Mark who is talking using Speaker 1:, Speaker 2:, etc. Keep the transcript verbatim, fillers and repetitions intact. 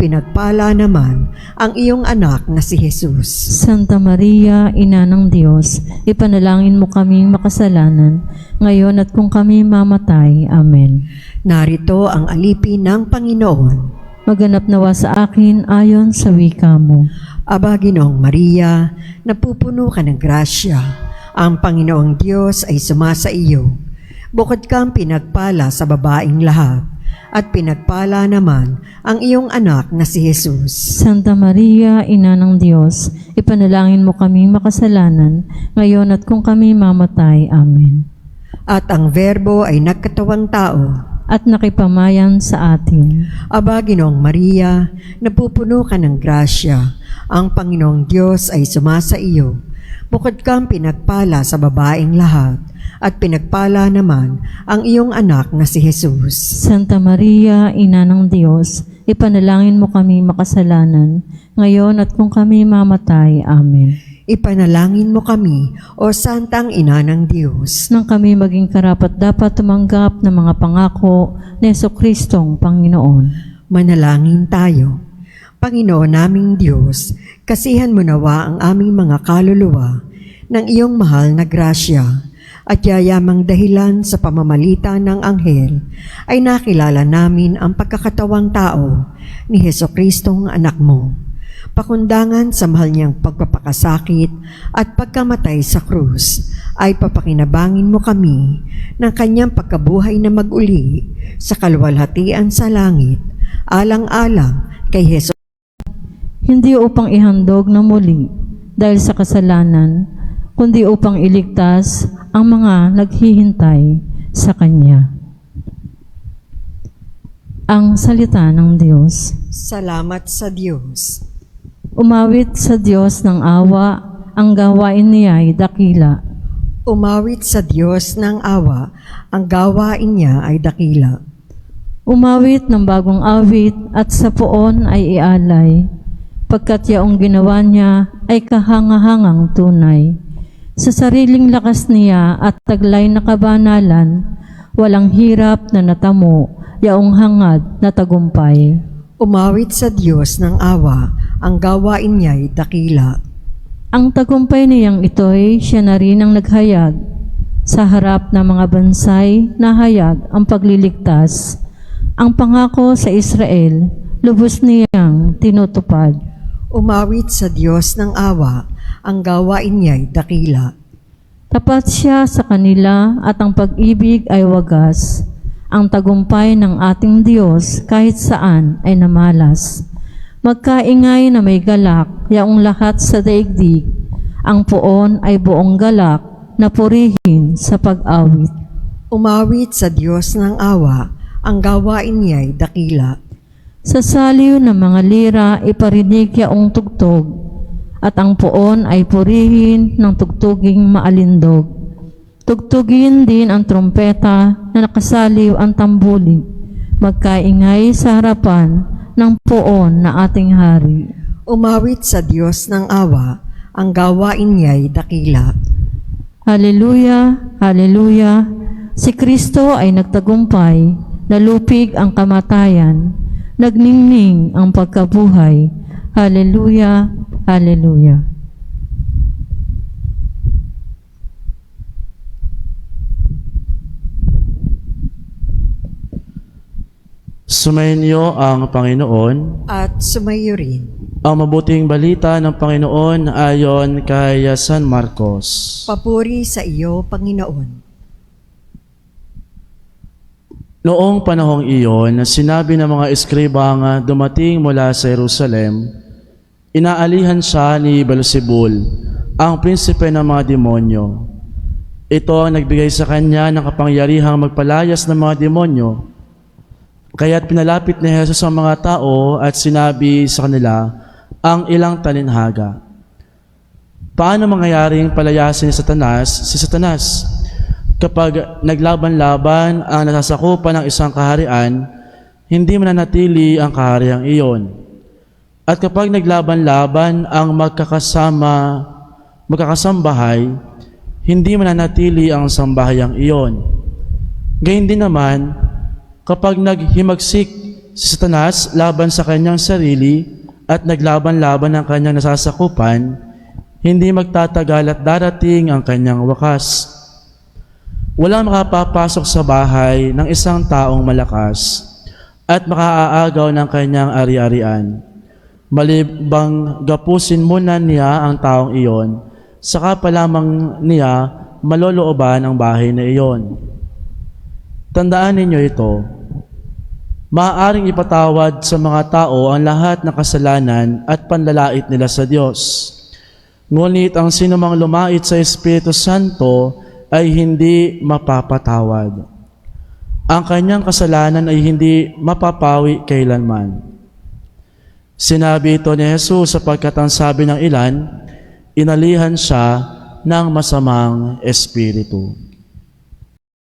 Speaker 1: pinagpala naman ang iyong anak na si Jesus.
Speaker 2: Santa Maria, Ina ng Diyos, ipanalangin mo kaming makasalanan, ngayon at kung kami mamatay. Amen.
Speaker 1: Narito ang alipin ng Panginoon.
Speaker 2: Maganap nawa sa akin ayon sa wika mo.
Speaker 1: Aba, Ginoong Maria, napupuno ka ng grasya. Ang Panginoong Diyos ay sumasa iyo. Bukod kang pinagpala sa babaeng lahat, at pinagpala naman ang iyong anak na si Jesus.
Speaker 2: Santa Maria, Ina ng Diyos, ipanalangin mo kaming makasalanan, ngayon at kung kami mamatay. Amen.
Speaker 1: At ang Verbo ay nagkatawang tao,
Speaker 2: At nakipamayan sa atin.
Speaker 1: Aba, Ginoong Maria, napupuno ka ng grasya. Ang Panginoong Diyos ay sumasa iyo. Bukod kang pinagpala sa babaeng lahat, at pinagpala naman ang iyong anak na si Jesus.
Speaker 2: Santa Maria, Ina ng Diyos, ipanalangin mo kami makasalanan, ngayon at kung kami mamatay. Amen.
Speaker 1: Ipanalangin mo kami, O Santang Ina ng Diyos,
Speaker 2: Nang kami maging karapat-dapat tumanggap ng mga pangako ni Jesucristong Panginoon.
Speaker 1: manalangin tayo. Panginoon naming Diyos, kasihan mo nawa ang aming mga kaluluwa ng iyong mahal na grasya, at yayamang dahilan sa pamamagitan ng anghel ay nakilala namin ang pagkakatawang tao ni Jesucristong anak mo. Pakundangan sa mahal niyang pagpapakasakit at pagkamatay sa krus, ay papakinabangin mo kami ng kanyang pagkabuhay na mag-uli sa kaluwalhatian sa langit, alang-alang kay Jesu.
Speaker 2: Hindi upang ihandog na muli dahil sa kasalanan, kundi upang iligtas ang mga naghihintay sa Kanya. Ang salita ng Diyos.
Speaker 1: Salamat sa Diyos.
Speaker 2: Umawit sa Diyos ng awa, ang gawain niya ay dakila.
Speaker 1: Umawit sa Diyos ng awa, ang gawain niya ay dakila.
Speaker 2: Umawit ng bagong awit at sa poon ay ialay, pagkat yaong ginawa niya ay kahangahangang tunay. Sa sariling lakas niya at taglay na kabanalan, walang hirap na natamo, yaong hangad na tagumpay.
Speaker 1: Umawit sa Diyos ng awa, ang gawain niya ay dakila.
Speaker 2: Ang tagumpay niyang ito'y siya na rin ang naghayag. Sa harap ng mga bansay, nahayag ang pagliligtas. Ang pangako sa Israel, lubos niyang tinutupad.
Speaker 1: Umawit sa Diyos ng awa, ang gawain niya ay dakila.
Speaker 2: Tapat siya sa kanila at ang pag-ibig ay wagas. Ang tagumpay ng ating Diyos kahit saan ay namalas. Magkaingay na may galak, yaong lahat sa daigdig. Ang poon ay buong galak na purihin sa pag-awit.
Speaker 1: Umawit sa Diyos ng awa, ang gawain niya ay dakila.
Speaker 2: Sa saliw ng mga lira iparinig yaong tugtog, at ang poon ay purihin ng tugtuging maalindog. Tugtugin din ang trompeta na nakasaliw ang tambuli, magkaingay sa harapan ng poon na ating hari.
Speaker 1: Umawit sa Diyos ng awa, ang gawain niya ay dakila.
Speaker 2: Haleluya, haleluya, si Kristo ay nagtagumpay, nalupig ang kamatayan, nagningning ang pagkabuhay. Haleluya, haleluya.
Speaker 3: Sumainyo ang Panginoon.
Speaker 1: At sumayo rin.
Speaker 3: Ang mabuting balita ng Panginoon ayon kay San Marcos.
Speaker 1: Papuri sa iyo, Panginoon.
Speaker 3: Noong panahong iyon, sinabi ng mga eskribang dumating mula sa Jerusalem, inaalihan siya ni Beelzebul, ang prinsipe ng mga demonyo. Ito ang nagbigay sa kanya ng kapangyarihang magpalayas ng mga demonyo. Kaya't pinalapit ni Jesus ang mga tao at sinabi sa kanila ang ilang talinhaga. Paano mangyayaring palayasin ni Satanas si Satanas? Kapag naglaban-laban ang nasasakupan ng isang kaharian, hindi mananatili ang kahariang iyon. At kapag naglaban-laban ang magkakasama, magkakasambahay, hindi mananatili ang sambahayang iyon. Gayun din naman, kapag naghimagsik si Satanas laban sa kanyang sarili at naglaban-laban ng kanyang nasasakupan, hindi magtatagal at darating ang kanyang wakas. Walang makapapasok sa bahay ng isang taong malakas at makaaagaw ng kanyang ari-arian. Malibang gapusin muna niya ang taong iyon, saka pa lamang niya malolooban ang bahay na iyon. Tandaan ninyo ito, maaaring ipatawad sa mga tao ang lahat ng kasalanan at panlalait nila sa Diyos. Ngunit ang sinumang lumait sa Espiritu Santo ay hindi mapapatawad. Ang kanyang kasalanan ay hindi mapapawi kailanman. Sinabi ito ni Jesus sapagkat ang sabi ng ilan, inalihan siya ng masamang espiritu.